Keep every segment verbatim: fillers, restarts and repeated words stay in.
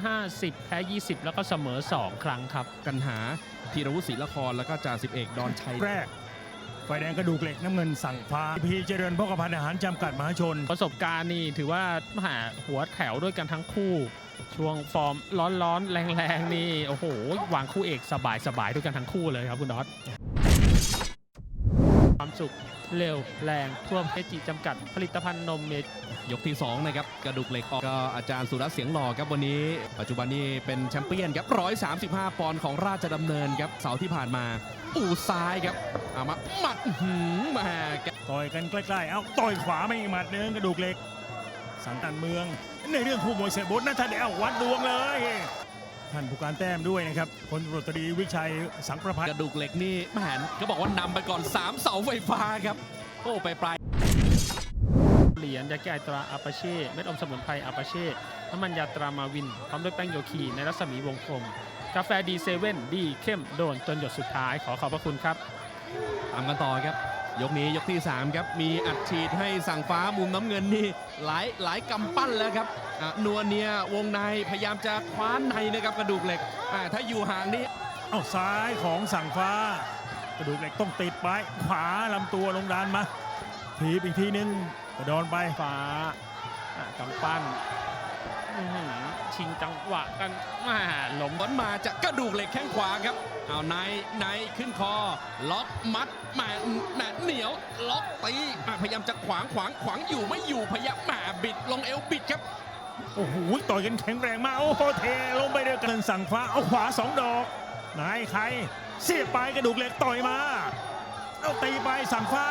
ห้าสิบแพ้ยี่สิบแล้วก็เสมอสองครั้งครับกันหาธีรวุฒิศรีละครแล้วก็จ่าสิบเอกดอนชัยแรกไฟแดงกระดูกเหล็กน้ำเงินสั่งฟ้าพีเจริญพกพันธ์อาหารจำกัดมหาชนประสบการณ์นี่ถือว่าหาหัวแถวด้วยกันทั้งคู่ช่วงฟอร์มร้อนๆแรงๆนี่โอ้โหวางคู่เอกสบายๆด้วยกันทั้งคู่เลยครับคุณน็อตความสุขเร็วแรงท่วมเอจิจำกัดผลิตภัณฑ์นมเมดยกที่สองนะครับกระดูกเหล็กออกก็อาจารย์สุรัตน์เสียงหล่อครับวันนี้ปัจจุบันนี้เป็นแชมเปี้ยนครับหนึ่งร้อยสามสิบห้าปอนด์ของราชดำเนินครับเสาร์ที่ผ่านมาอู่ซ้ายครับเอามาหมัดหืมมาต่อยกันใกล้ๆเอ้าต่อยขวาไม่หมัดเนื้อกระดูกเหล็กสังกัดเมืองในเรื่องคู่มวยเสบดนะท่านเดี๋ยววัดดวงเลยท่านผู้การแต้มด้วยนะครับพลตำรวจตรีวิชัยสังประภัยกระดูกเหล็กนี่แหมก็บอกว่านำไปก่อนสามเสาไฟฟ้าครับโอ้ไปปลายเหรียญยาแก้ไอตราอาปาเช่เม็ดอมสมุนไพรอาปาเช่น้ำมันยาตรามาวินพร้อมด้วยแป้งโยคีในรัศมีวงกลมกาแฟดีเซเว่นดีเข้มโดนจนหยดสุดท้ายขอขอบพระคุณครับตามกันต่อครับยกนี้ยกที่สามครับมีอัดฉีดให้สั่งฟ้ามุมน้ำเงินนี่หลายหลายกำปั้นแล้วครับนัวเนียวงในพยายามจะคว้านในนะครับกระดูกเหล็กถ้าอยู่ห่างนี่เอาซ้ายของสั่งฟ้ากระดูกเหล็กต้องติดไปขวาลำตัวลงดานมาทีอีกทีนึงกระโดนไปฟ้ากำปั้นชิงจังหวะกันมาหลมบอลมาจากกระดูกเหล็กแข้งขวาครับเอาในในขึ้นคอล็อกมัดแหมแหมเหนียวล็อกตีพยายามจะขวางขวางขวางอยู่ไม่อยู่พยายามแหมบิดลงเอวบิดครับโอ้โหต่อยกันแข็งแรงมากโอ้โหเทลงไปเดียวกันสั่งฟ้าเอาขวาสองดอกนายใครเสียบไปกระดูกเหล็กต่อยมาเอาตีไปสั่งฟ้า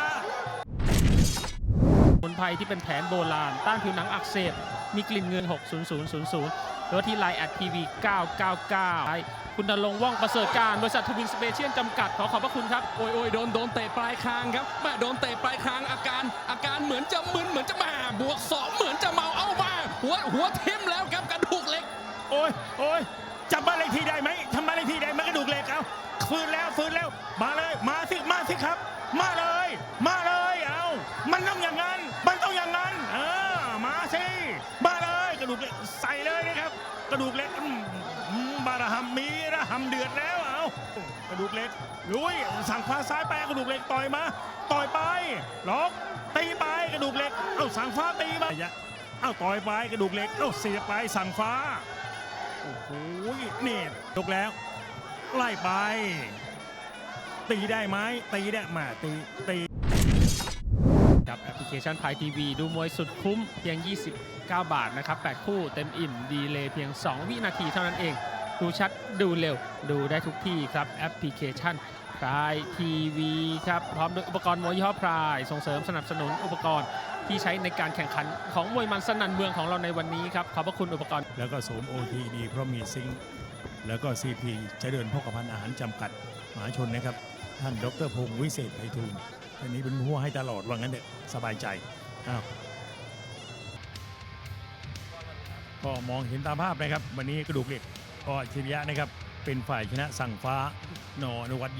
สมุนไพรที่เป็นแผนโบราณต้านผิวหนังอักเสบมีกลิ่นเงินหกศูนย์ศูนย์ศูนย์ศูนย์หรือว่าที่ไลน์แอดทีวีเก้าเก้าเก้าคุณณรงค์ว่องประเสริฐการบริษัททวินสเปเชียลจำกัดขอขอบพระคุณครับโอ้ยโอ้ยโดนโดนเตะปลายคางครับแม่โดนเตะปลายคางอาการอาการเหมือนจะมึนเหมือนจะมาบวกสองเหมือนจะเมาเอามาหัวหัวทิ่มแล้วครับกระดูกเหล็กโอ้ยโอ้ยจับบ้านเลขที่ได้ไหมทำบ้านเลขที่ได้ไหมกระดูกเหล็กเอาฟื้นแล้วฟื้นแล้วมาเลยมาสิมาสิครับมาเลยมาเลยเอามันต้องอย่างนั้นมันต้องอย่างนั้นเออมาสิมาเลยกระดูกเหล็กใส่เลยนะครับกระดูกเหล็กบาระหำมีระหำเดือดแล้วเอากระดูกเหล็กลุยสั่งฟ้าซ้ายไปกระดูกเหล็กต่อยมาต่อยไปล็อกตีไปกระดูกเหล็กเอ้าสั่งฟ้าตีมาเอ้าต่อยไปกระดูกเหล็กเอ้าเสียบไปสั่งฟ้าโอ้โหนี่ยกแล้วไล่ไปตีได้ไหมตีได้มาตีตีกับแอปพลิเคชันพายทีวีดูมวยสุดคุ้มเพียงยี่สิบเก้าบาทนะครับแปดคู่เต็มอิ่มดีเลยเพียงสองวินาทีเท่านั้นเองดูชัดดูเร็วดูได้ทุกที่ครับแอปพลิเคชันพายทีวีครับพร้อมด้วยอุปกรณ์มวยยี่ห้อพายส่งเสริมสนับสนุนอุปกรณ์ที่ใช้ในการแข่งขันของมวยมันสนั่นเมืองของเราในวันนี้ครับขอบพระคุณอุปกรณ์แล้วก็โสมโอทีดีเพราะมีซิงค์แล้วก็ซีพีเจริญพกพันธ์อาหารจำกัดมหาชนนะครับท่านดรพงศ์วิเศษไพฑูรย์ท่านนี้เป็นผู้ให้ตลอดว่างั้นเด็กสบายใจอ้าวก็มองเห็นตามภาพนะครับวันนี้กระดูกเหล็กก็อัจฉริยะนะครับเป็นฝ่ายชนะสั่งฟ้านอนุวัฒน์